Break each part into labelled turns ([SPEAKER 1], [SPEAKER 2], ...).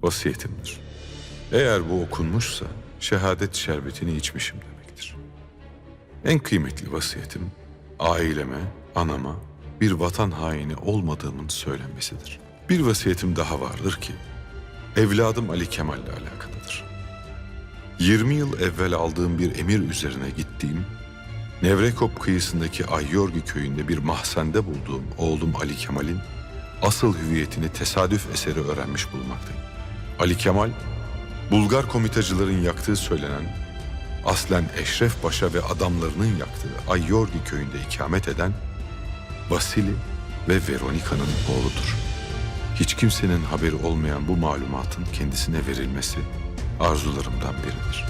[SPEAKER 1] vasiyetimdir. Eğer bu okunmuşsa şehadet şerbetini içmişim demektir. En kıymetli vasiyetim aileme, anama bir vatan haini olmadığımın söylenmesidir. Bir vasiyetim daha vardır ki evladım Ali Kemal'le alakalıdır. 20 yıl evvel aldığım bir emir üzerine gittiğim Nevrekop kıyısındaki Ayyorgi köyünde bir mahzende bulduğum oğlum Ali Kemal'in asıl hüviyetini tesadüf eseri öğrenmiş bulunmaktayım. Ali Kemal, Bulgar komitacıların yaktığı söylenen, aslen Eşref Paşa ve adamlarının yaktığı Ayyorgi köyünde ikamet eden Vasili ve Veronika'nın oğludur. Hiç kimsenin haberi olmayan bu malumatın kendisine verilmesi arzularımdan biridir.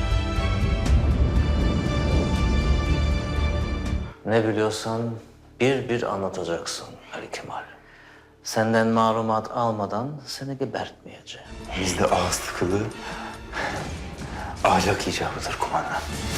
[SPEAKER 2] Ne biliyorsan bir bir anlatacaksın Ali Kemal. Senden malumat almadan seni gebertmeyeceğim.
[SPEAKER 3] Bizde ağız tıkılı ahlak icabıdır kumandan.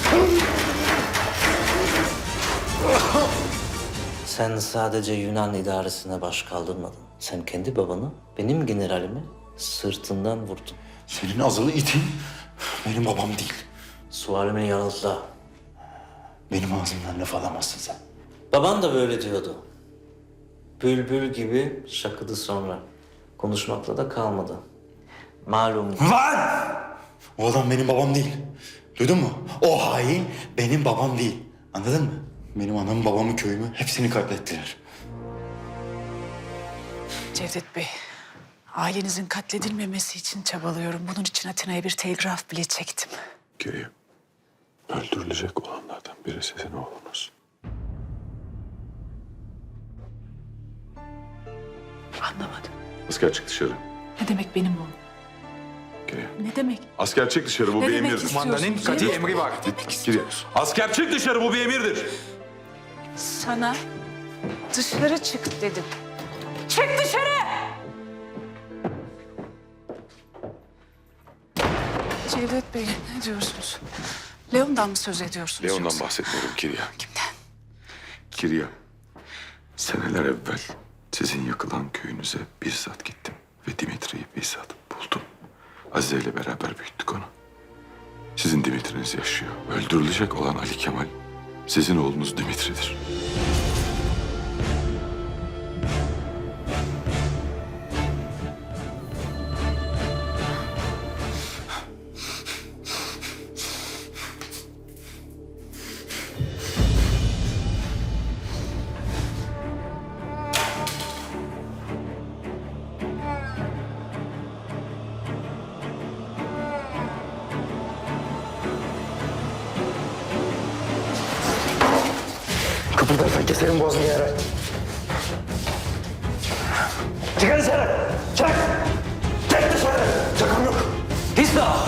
[SPEAKER 2] Sen sadece Yunan idaresine baş kaldırmadın. Sen kendi babanı, benim generalimi sırtından vurdun.
[SPEAKER 3] Senin azılı itin benim babam değil.
[SPEAKER 2] Sualimi yanıtla.
[SPEAKER 3] Benim ağzımdan laf alamazsın sen.
[SPEAKER 2] Baban da böyle diyordu. Bülbül gibi şakıdı sonra. Konuşmakla da kalmadı. Malum.
[SPEAKER 3] Lan! O adam benim babam değil. Duydun mu? O hain benim babam değil. Anladın mı? Benim anamı, babamı, köyümü hepsini katlettiler.
[SPEAKER 4] Cevdet Bey, ailenizin katledilmemesi için çabalıyorum. Bunun için Atina'ya bir telgraf bile çektim.
[SPEAKER 1] Ki öldürülecek olanlardan biri sizin oğlunuz.
[SPEAKER 4] Anlamadım.
[SPEAKER 1] Asker çık dışarı.
[SPEAKER 4] Ne demek benim oğlum?
[SPEAKER 1] Geriye.
[SPEAKER 4] Ne demek?
[SPEAKER 1] Asker çık dışarı, bu
[SPEAKER 4] Ne
[SPEAKER 1] bir
[SPEAKER 4] demek
[SPEAKER 1] emirdir.
[SPEAKER 4] istiyorsun?
[SPEAKER 5] Kumandanın kati
[SPEAKER 4] Cevdet,
[SPEAKER 5] emri var.
[SPEAKER 4] Ne demek
[SPEAKER 1] Geriye.
[SPEAKER 4] istiyorsun?
[SPEAKER 1] Asker çık dışarı, bu bir emirdir.
[SPEAKER 4] Sana dışarı çık dedim. Çık dışarı! Cevdet Bey, ne diyorsunuz? Leon'dan mı söz ediyorsunuz
[SPEAKER 1] Leon'dan
[SPEAKER 4] yoksa?
[SPEAKER 1] bahsetmiyorum Kirya.
[SPEAKER 4] Kimden?
[SPEAKER 1] Kirya, seneler evvel sizin yakılan köyünüze bizzat gittim. Ve Dimitri'yi bizzat buldum. Azize ile beraber büyüttük onu. Sizin Dimitri'niz yaşıyor. Öldürülecek olan Ali Kemal, sizin oğlunuz Dimitri'dir.
[SPEAKER 3] Kıpırdarsan keserim boğazını yere. Çıkar dışarı! Çık! Çık dışarı! Çakam yok.
[SPEAKER 2] Pisa!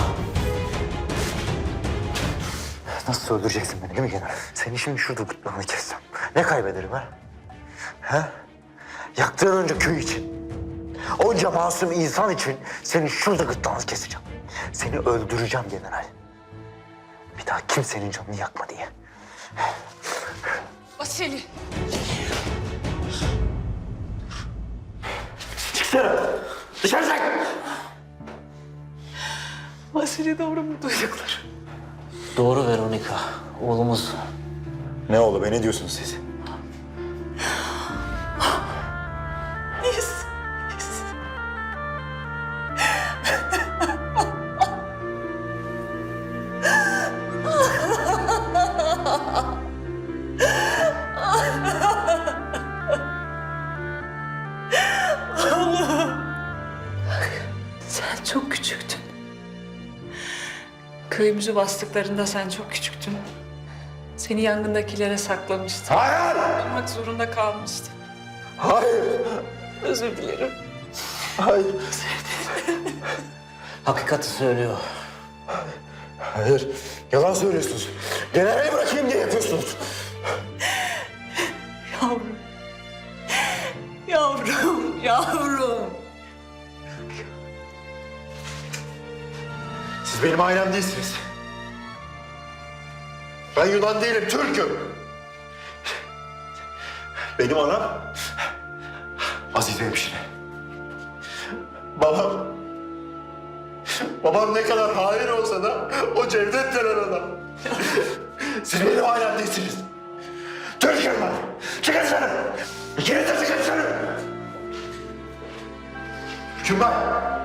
[SPEAKER 3] Nasıl öldüreceksin beni değil mi general? Seni şimdi şurada gırtlağını kessem. Ne kaybederim ha? Ha? Yaktığın önce köy için. Onca masum insan için seni şurada gırtlağını keseceğim. Seni öldüreceğim general. Bir daha kimsenin canını yakma diye.
[SPEAKER 4] Vasili!
[SPEAKER 3] Çık dışarı! Dışarı çık!
[SPEAKER 4] Vasili doğru mu duydukları?
[SPEAKER 2] Doğru Veronika. Oğlumuz.
[SPEAKER 3] Ne oldu be, ne diyorsunuz siz?
[SPEAKER 4] Biz. Sen çok küçüktün. Köyümüzü bastıklarında sen çok küçüktün. Seni yangındakilere saklamıştım.
[SPEAKER 3] Hayır!
[SPEAKER 4] Olmak zorunda kalmıştım.
[SPEAKER 3] Hayır!
[SPEAKER 4] Özür dilerim.
[SPEAKER 3] Hayır!
[SPEAKER 2] Hakikati söylüyor.
[SPEAKER 3] Hayır! Yalan söylüyorsunuz. Generali bırakayım diye yapıyorsunuz.
[SPEAKER 4] Yavrum. Yavrum, yavrum.
[SPEAKER 3] Siz benim ailem değilsiniz. Ben Yunan değilim, Türk'üm. Benim anam Azize hemşire. Babam
[SPEAKER 5] Babam ne kadar hain olsa da o Cevdet denen adam. Siz benim ailem değilsiniz. Türk'üm ben. Çıkın dışarı. İkiniz de çıkın dışarı. Hükümdar.